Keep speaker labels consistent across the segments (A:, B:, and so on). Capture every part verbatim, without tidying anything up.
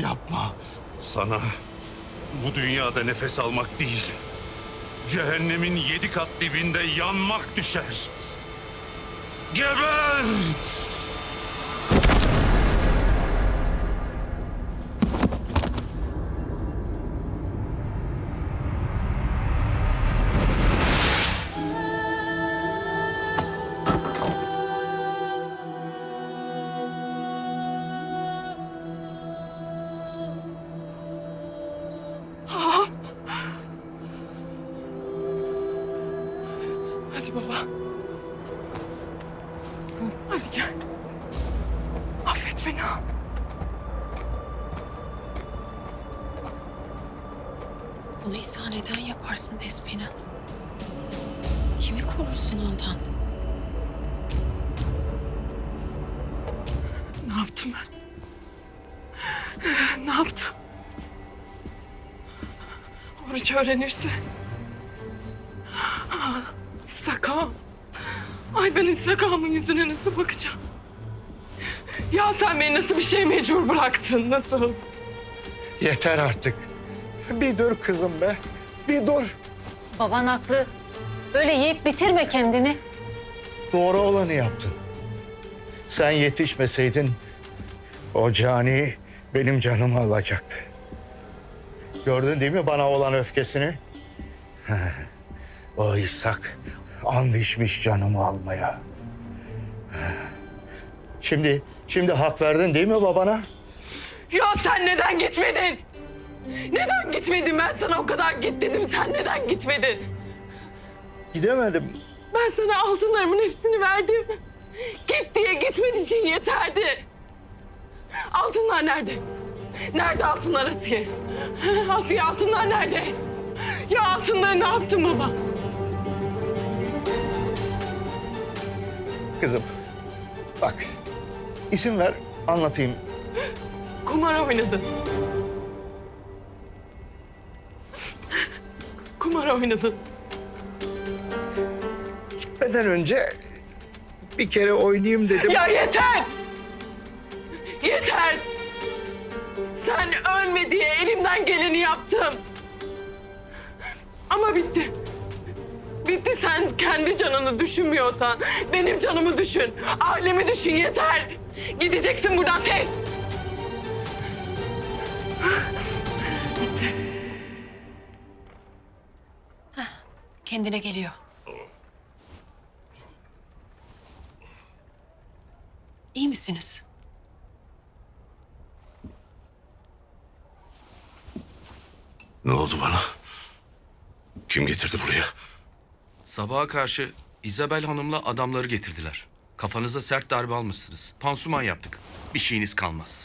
A: Yapma. Sana bu dünyada nefes almak değil, cehennemin yedi kat dibinde yanmak düşer. Geber!
B: Hadi baba. Hadi gel. Affet beni.
C: Bunu İsa neden yaparsın Despina? Kimi korursun ondan?
B: Ne yaptım ben? Ne yaptım? Oruç öğrenirse. Sakam. Ay ben Sakam'ın yüzüne nasıl bakacağım? Ya sen beni nasıl bir şeye mecbur bıraktın? Nasıl?
D: Yeter artık. Bir dur kızım be. Bir dur.
E: Baban haklı. Böyle yiyip bitirme kendini.
D: Doğru olanı yaptın. Sen yetişmeseydin o cani benim canımı alacaktı. Gördün değil mi bana olan öfkesini? O İshak and içmiş canımı almaya. Şimdi, şimdi hak verdin değil mi babana?
B: Ya sen neden gitmedin? Neden gitmedin? Ben sana o kadar git dedim. Sen neden gitmedin?
D: Gidemedim.
B: Ben sana altınlarımın hepsini verdim. Git diye gitmen için yeterdi. Altınlar nerede? Nerede altınlar Asiye? Asiye altınlar nerede? Ya altınları ne yaptın baba?
D: Kızım bak isim ver anlatayım.
B: Kumar oynadın. Kumar oynadın.
D: Gitmeden önce bir kere oynayayım dedim.
B: Ya yeter! Yeter! Sen ölme diye elimden geleni yaptım. Ama bitti. Bitti, sen kendi canını düşünmüyorsan benim canımı düşün. Ailemi düşün, yeter. Gideceksin buradan tez. Bitti.
C: Kendine geliyor. İyi misiniz?
A: Ne oldu bana? Kim getirdi buraya?
F: Sabaha karşı İzabel Hanım'la adamları getirdiler. Kafanıza sert darbe almışsınız. Pansuman yaptık. Bir şeyiniz kalmaz.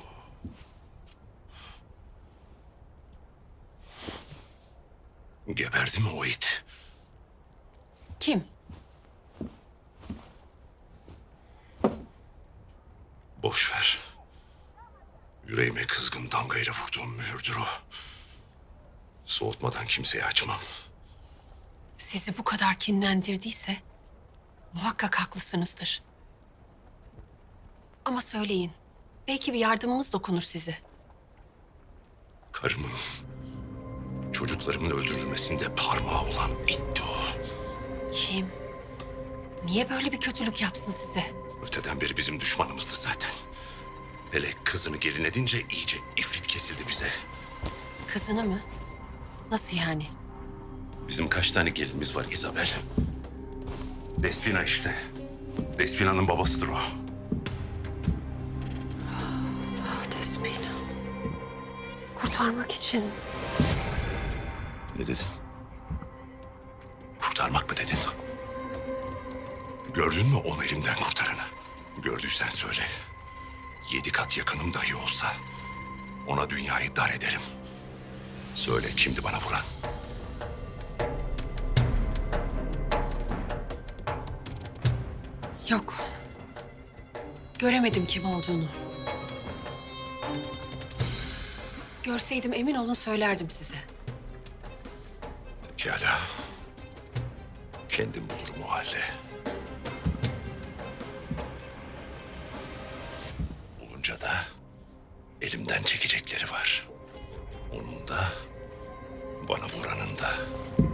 A: Geberdi mi o it?
C: Kim?
A: Boş ver. Yüreğime kızgın damgayla vurduğum mühürdür o. Soğutmadan kimseye açmam.
C: Sizi bu kadar kinlendirdiyse muhakkak haklısınızdır. Ama söyleyin. Belki bir yardımımız dokunur size.
A: Karımın, çocuklarımın öldürülmesinde parmağı olan itti o.
C: Kim? Niye böyle bir kötülük yapsın size?
A: Öteden beri bizim düşmanımızdı zaten. Hele kızını gelin edince iyice ifrit kesildi bize.
C: Kızını mı? Nasıl yani?
A: Bizim kaç tane gelinimiz var Isabel? Despina işte. Despina'nın babasıdır o.
C: Ah, Despina. Kurtarmak için.
A: Ne dedin? Kurtarmak mı dedin? Gördün mü onu elimden kurtaranı? Gördüysen söyle. Yedi kat yakınım dahi olsa ona dünyayı dar ederim. Söyle kimdi bana vuran?
C: Yok. Göremedim kim olduğunu. Görseydim emin olun söylerdim size.
A: Pekala. Kendim bulurum o halde. Bulunca da elimden çekecekleri var. Onun da, bana vuranın da.